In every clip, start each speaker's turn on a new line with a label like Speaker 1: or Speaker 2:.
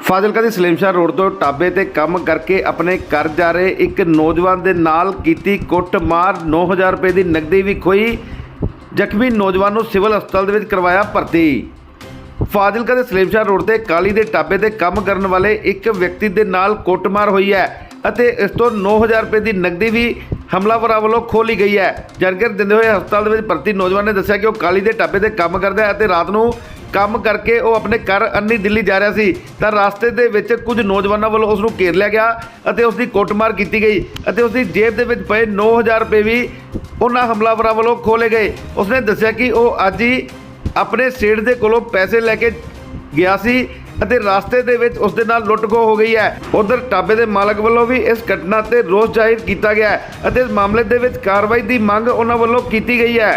Speaker 1: ਫਾਜ਼ਿਲਕਾ ਦੀ ਸਲੇਮਸ਼ਾਹ road ਤੋਂ ਢਾਬੇ ਤੇ ਕੰਮ ਕਰਕੇ ਆਪਣੇ ਘਰ ਜਾ ਰਹੇ ਇੱਕ ਨੌਜਵਾਨ ਦੇ ਨਾਲ ਕੀਤੀ ਕੁੱਟਮਾਰ। 9000 ਰੁਪਏ ਦੀ ਨਕਦੀ ਵੀ ਖੋਈ। ਜ਼ਖਮੀ ਨੌਜਵਾਨ ਨੂੰ ਸਿਵਲ ਹਸਪਤਾਲ ਦੇ ਵਿੱਚ ਕਰਵਾਇਆ ਭਰਤੀ। ਫਾਜ਼ਿਲਕਾ ਦੇ ਸਲੇਮਸ਼ਾਹ ਰੋਡ ਤੇ ਕਾਲੀ ਦੇ ਢਾਬੇ ਤੇ ਕੰਮ ਕਰਨ ਵਾਲੇ ਇੱਕ ਵਿਅਕਤੀ ਦੇ ਨਾਲ ਕੁੱਟਮਾਰ ਹੋਈ ਹੈ ਅਤੇ ਇਸ ਤੋਂ 9000 ਰੁਪਏ ਦੀ ਨਕਦੀ ਵੀ ਹਮਲਾਵਰਾਂ ਵੱਲੋਂ ਖੋਹ ਲਈ ਗਈ ਹੈ। ਜਾਣਕਾਰੀ ਦਿੰਦੇ ਹੋਏ ਹਸਪਤਾਲ ਦੇ ਵਿੱਚ ਭਰਤੀ ਨੌਜਵਾਨ ਨੇ ਦੱਸਿਆ ਕਿ ਉਹ ਕਾਲੀ ਦੇ ਢਾਬੇ ਤੇ ਕੰਮ ਕਰਦਾ ਹੈ ਅਤੇ ਰਾਤ ਨੂੰ ਕੰਮ ਕਰਕੇ ਉਹ ਆਪਣੇ ਘਰ ਅੰਨੀ ਦਿੱਲੀ ਜਾ ਰਿਹਾ ਸੀ ਤਾਂ ਰਸਤੇ ਦੇ ਵਿੱਚ ਕੁਝ ਨੌਜਵਾਨਾਂ ਵੱਲੋਂ ਉਸ ਨੂੰ ਘੇਰ ਲਿਆ ਗਿਆ ਅਤੇ ਉਸ ਦੀ ਕੁੱਟਮਾਰ ਕੀਤੀ ਗਈ ਅਤੇ ਉਸ ਦੀ ਜੇਬ ਦੇ ਵਿੱਚ ਪਏ 9000 ਰੁਪਏ ਵੀ ਉਹਨਾਂ ਹਮਲਾਵਰਾਂ ਵੱਲੋਂ ਖੋਲੇ ਗਏ। ਉਸਨੇ ਦੱਸਿਆ ਕਿ ਉਹ ਅੱਜ ਹੀ ਆਪਣੇ ਸੇਠ ਦੇ ਕੋਲੋਂ ਪੈਸੇ ਲੈ ਕੇ ਗਿਆ ਸੀ ਅਤੇ ਰਸਤੇ ਦੇ ਵਿੱਚ ਉਸ ਦੇ ਨਾਲ ਲੁੱਟ-ਖੋਹ ਹੋ ਗਈ ਹੈ। ਉਧਰ ਢਾਬੇ ਦੇ ਮਾਲਕ ਵੱਲੋਂ ਵੀ ਇਸ ਘਟਨਾ ਤੇ ਰੋਸ ਜ਼ਾਹਿਰ ਕੀਤਾ ਗਿਆ ਹੈ ਅਤੇ ਇਸ ਮਾਮਲੇ ਦੇ ਵਿੱਚ ਕਾਰਵਾਈ ਦੀ ਮੰਗ ਉਹਨਾਂ ਵੱਲੋਂ ਕੀਤੀ ਗਈ ਹੈ।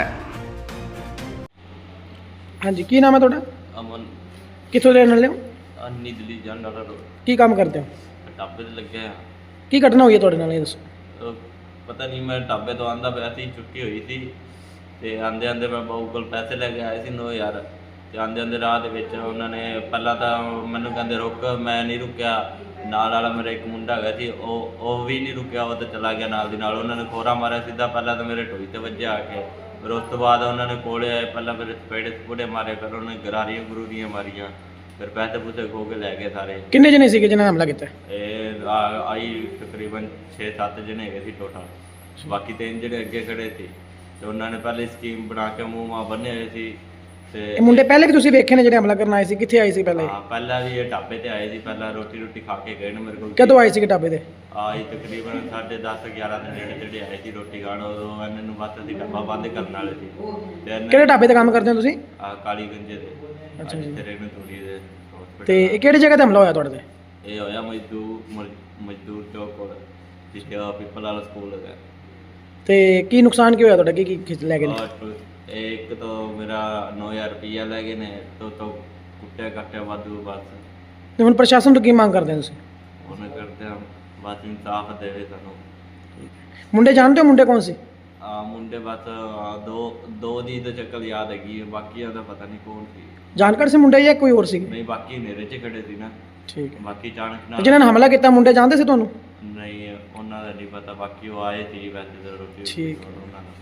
Speaker 2: हाँ जी, की नाम है थोड़ा?
Speaker 3: अमन
Speaker 2: कितों रहने वाले हो?
Speaker 3: अन्नी दिल्ली जान डाला रोड
Speaker 2: की काम करते हो?
Speaker 3: ढाबे ते लगे हैं।
Speaker 2: की घटना हुई है थोड़े नाल ये दसो।
Speaker 3: पता नहीं, मैं ढाबे तो आंदा पिया सी, छुट्टी हुई थी ते आंदे आंदे मैं बाऊ कोल पैसे लेके आए सी 9000 ते आंदे आंदे राह दे विच उन्होंने पहला तो मैनू कहंदे रुक, मैं नहीं रुकिया। नाल वाला मेरा एक मुंडा हैगा सी, ਉਹ भी नहीं रुकिया, वो तो चला गया नाल दी नाल। उन्होंने खोरा मारिया सीधा, पहला तो मेरे ढोई ते वज्जिया आके, फिर उस तो बाद उन्होंने कोले आए, पहला मेरे थपेड़े थपुड़े मारे, फिर उन्होंने गरारियां गरूरियां मारियां, फिर पैसे पूसे खो के लै गए सारे।
Speaker 2: किन्ने जने सी जिन्होंने हमला किया?
Speaker 3: आई तकरीबन 6-7 जने है टोटल, बाकी 3 जने अगे खड़े थे। तो उन्होंने पहले स्कीम बना के मूँह माँ बने हुए थे।
Speaker 2: ਇਹ ਮੁੰਡੇ ਪਹਿਲੇ ਵੀ ਤੁਸੀਂ ਵੇਖੇ ਨੇ ਜਿਹੜੇ ਹਮਲਾ ਕਰਨ ਆਏ ਸੀ? ਕਿੱਥੇ ਆਏ ਸੀ ਪਹਿਲੇ?
Speaker 3: हाँ, पहला भी ये ढाबे ते आए थे, पहला रोटी रोटी खा के गए ने मेरे को।
Speaker 2: ਕਦੋਂ ਆਏ ਸੀ ਢਾਬੇ ਤੇ?
Speaker 3: आई तकरीबन 10:30-11 ਦੇ ਨੇੜੇ ਤੇੜੇ ਆਏ ਸੀ ਰੋਟੀ ਖਾਣ। ਉਦੋਂ ਇਹਨਾਂ ਨੂੰ ਬਸ ਅਸੀਂ ਡੱਬਾ ਬੰਦ ਕਰਨ ਵਾਲੇ ਸੀ ਤੇ ਇਹਨਾਂ
Speaker 2: ਕਿਹੜੇ ਢਾਬੇ ਤੇ ਕੰਮ ਕਰਦੇ ਹੋ ਤੁਸੀਂ?
Speaker 3: ਕਾਲੀ ਗੰਜੇ ਦੇ।
Speaker 2: ਅੱਛਾ ਜੀ।
Speaker 3: ਤੇਰੇ ਨੂੰ ਥੋੜੀ ਦੇ hospital।
Speaker 2: ਤੇ ਇਹ ਕਿਹੜੀ ਜਗ੍ਹਾ ਤੇ ਹਮਲਾ ਹੋਇਆ ਤੁਹਾਡੇ ਤੇ?
Speaker 3: ਇਹ ਹੋਇਆ ਮਜ਼ਦੂਰ ਚੌਕ ਕੋਲ, ਜਿੱਥੇ ਪੀਪਲ ਵਾਲਾ ਸਕੂਲ ਹੈਗਾ।
Speaker 2: ਤੇ ਕੀ ਨੁਕਸਾਨ ਕੀ ਹੋਇਆ ਤੁਹਾਡਾ? ਕੀ ਖਿੱਚ ਲੈ ਗਏ ਨੇ?
Speaker 3: ਇੱਕ ਤਾਂ ਮੇਰਾ 9000 ਰੁਪਈਆ ਲੈ ਗਏ ਨੇ, ਤੋਂ ਕੁੱਟਿਆ ਕੱਟਿਆ ਵਾਧੂ ਬਸ।
Speaker 2: ਤੇ ਹੁਣ ਪ੍ਰਸ਼ਾਸਨ ਤੋਂ ਕੀ ਮੰਗ ਕਰਦੇ ਹੋ ਤੁਸੀਂ?
Speaker 3: ਉਹਨੇ ਕਰਦੇ ਆ ਬਸ ਇਨਸਾਫ ਦੇਵੇ ਸਾਨੂੰ।
Speaker 2: ਮੁੰਡੇ ਜਾਣਦੇ ਹੋ ਮੁੰਡੇ ਕੌਣ ਸੀ?
Speaker 3: ਮੁੰਡੇ ਬਸ ਦੋ ਦੀ ਤਾਂ ਸ਼ਕਲ ਯਾਦ ਹੈਗੀ, ਬਾਕੀਆਂ ਦਾ ਪਤਾ ਨਹੀਂ ਕੌਣ ਸੀ।
Speaker 2: ਜਾਣਕਾਰ ਸੀ ਮੁੰਡੇ ਜਾਂ ਕੋਈ ਹੋਰ ਸੀ?
Speaker 3: ਨਹੀਂ, ਬਾਕੀ ਹਨੇਰੇ 'ਚ ਖੜੇ ਸੀ ਨਾ।
Speaker 2: ਠੀਕ ਹੈ।
Speaker 3: ਬਾਕੀ ਅਚਾਨਕ ਨਾਲ
Speaker 2: ਜਿਨ੍ਹਾਂ ਨੇ ਹਮਲਾ ਕੀਤਾ ਮੁੰਡੇ ਜਾਣਦੇ ਸੀ ਤੁਹਾਨੂੰ?
Speaker 3: ਨਹੀਂ, ਉਹਨਾਂ ਦਾ ਨਹੀਂ ਪਤਾ, ਬਾਕੀ ਉਹ ਆਏ ਸੀ ਵੈਸੇ ਤਾਂ ਰੋਟੀ
Speaker 2: ਠੀਕ।
Speaker 3: ਉਹਨਾਂ ਦਾ।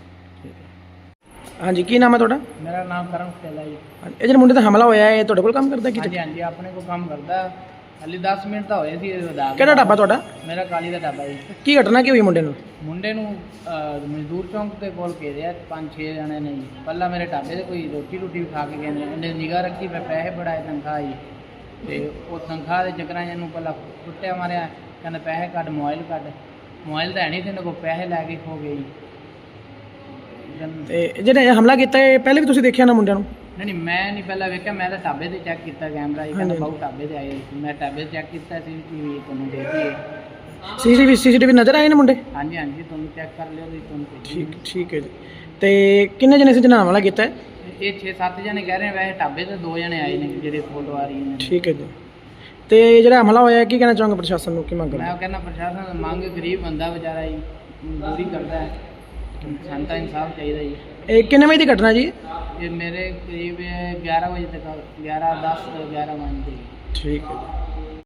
Speaker 2: ਹਾਂਜੀ, ਕੀ ਨਾਮ ਹੈ ਤੁਹਾਡਾ?
Speaker 4: मेरा नाम करम खेला जी।
Speaker 2: ਇਹ ਜਿਹੜੇ ਮੁੰਡੇ ਦਾ ਹਮਲਾ ਹੋਇਆ ਹੈ ਤੁਹਾਡੇ ਕੋਲ ਕੰਮ ਕਰਦਾ ਕੀ?
Speaker 4: हाँ जी, हाँ जी, अपने को काम करता हाली 10 मिनट तो होए सी।
Speaker 2: ਕਿਹੜਾ ਢਾਬਾ ਤੁਹਾਡਾ?
Speaker 4: मेरा काली का ढाबा जी।
Speaker 2: ਕੀ ਘਟਨਾ ਕੀ ਹੋਈ ਮੁੰਡੇ ਨੂੰ?
Speaker 4: ਮੁੰਡੇ ਨੂੰ ਮਜ਼ਦੂਰ ਚੌਂਕ ਦੇ ਕੋਲ ਘੇਰਿਆ 5-6 ਜਣੇ ਨੇ ਜੀ। ਪਹਿਲਾਂ ਮੇਰੇ ਢਾਬੇ ਤੇ ਕੋਈ ਰੋਟੀ ਵੀ ਖਾ ਕੇ ਗਏ ਨੇ। ਇਹਨੇ ਨਿਗਾਹ ਰੱਖੀ, ਫਿਰ ਪੈਸੇ ਬੜਾਏ ਤਨਖਾਹ ਜੀ। ਤੇ ਉਹ ਤਨਖਾਹ ਦੇ ਚੱਕਰਾਂ 'ਚ ਇਹਨੂੰ ਪਹਿਲਾਂ ਕੁੱਟਿਆ ਮਾਰਿਆ, ਕਹਿੰਦਾ ਪੈਸੇ ਕੱਢ, ਮੋਬਾਈਲ ਕੱਢ। ਮੋਬਾਈਲ ਤਾਂ ਹੈ ਨਹੀਂ, ਤੇ ਇਹਨਾਂ ਕੋਲ ਪੈਸੇ ਲੈ ਕੇ ਖੋ ਗਏ ਜੀ।
Speaker 2: ਤੇ ਜਿਹੜੇ ਹਮਲਾ ਕੀਤਾ ਇਹ ਪਹਿਲੇ ਵੀ ਤੁਸੀਂ ਦੇਖਿਆ ਨਾ ਮੁੰਡਿਆਂ ਨੂੰ?
Speaker 4: ਨਹੀਂ, ਮੈਂ ਨਹੀਂ ਪਹਿਲਾਂ ਵੇਖਿਆ, ਮੈਂ ਤਾਂ ਢਾਬੇ ਤੇ ਚੈੱਕ ਕੀਤਾ ਕੈਮਰਾ ਜੀ। ਕਹਿੰਦਾ ਬਾਹੂ ਢਾਬੇ ਤੇ ਆਏ ਸੀ। ਮੈਂ ਢਾਬੇ ਤੇ ਚੈੱਕ ਕੀਤਾ ਸੀ, ਟੀਵੀ ਤੁਹਾਨੂੰ ਦੇ ਦਈਏ।
Speaker 2: ਸੀਸੀਟੀਵੀ ਨਜ਼ਰ ਆਏ ਨੇ ਮੁੰਡੇ?
Speaker 4: ਹਾਂਜੀ, ਹਾਂਜੀ, ਤੁਹਾਨੂੰ ਚੈੱਕ ਕਰ ਲਿਓ ਜੀ, ਤੁਹਾਨੂੰ ਭੇਜੀ।
Speaker 2: ਠੀਕ ਹੈ ਜੀ। ਤੇ ਕਿੰਨੇ ਜਣੇ ਸੀ ਜਿਹਨਾਂ ਹਮਲਾ ਕੀਤਾ ਹੈ?
Speaker 4: ਇਹ 6-7 ਜਣੇ ਕਹਿ ਰਹੇ ਨੇ, ਵੈਸੇ ਢਾਬੇ ਤੇ 2 ਜਣੇ ਆਏ ਨੇ ਜਿਹੜੇ ਫੋਟੋ ਆ ਰਹੀ ਨੇ।
Speaker 2: ਠੀਕ ਹੈ ਜੀ। ਤੇ ਜਿਹੜਾ ਹਮਲਾ ਹੋਇਆ ਕੀ ਕਹਿਣਾ ਚਾਹੋਗੇ ਪ੍ਰਸ਼ਾਸਨ ਨੂੰ, ਕੀ ਮੰਗ
Speaker 4: ਮੈਂ
Speaker 2: ਕਰਦੇ?
Speaker 4: ਉਹ ਕਹਿੰਦਾ ਪ੍ਰਸ਼ਾਸਨ ਮੰਗ, ਗਰੀਬ ਬੰਦਾ ਵਿਚਾਰਾ ਜੀ, ਮਜ਼ਦੂਰੀ ਕਰਦਾ ਹੈ, ਸਾਨੂੰ ਤਾਂ ਇਨਸਾਫ ਚਾਹੀਦਾ ਜੀ।
Speaker 2: ਇਹ ਕਿੰਨੇ ਵਜੇ ਦੀ ਘਟਨਾ ਜੀ?
Speaker 4: ਇਹ ਮੇਰੇ ਕਰੀਬ 11 ਵਜੇ ਤੱਕ, 11:10 11 ਵਜੇ।
Speaker 2: ਠੀਕ ਹੈ ਜੀ।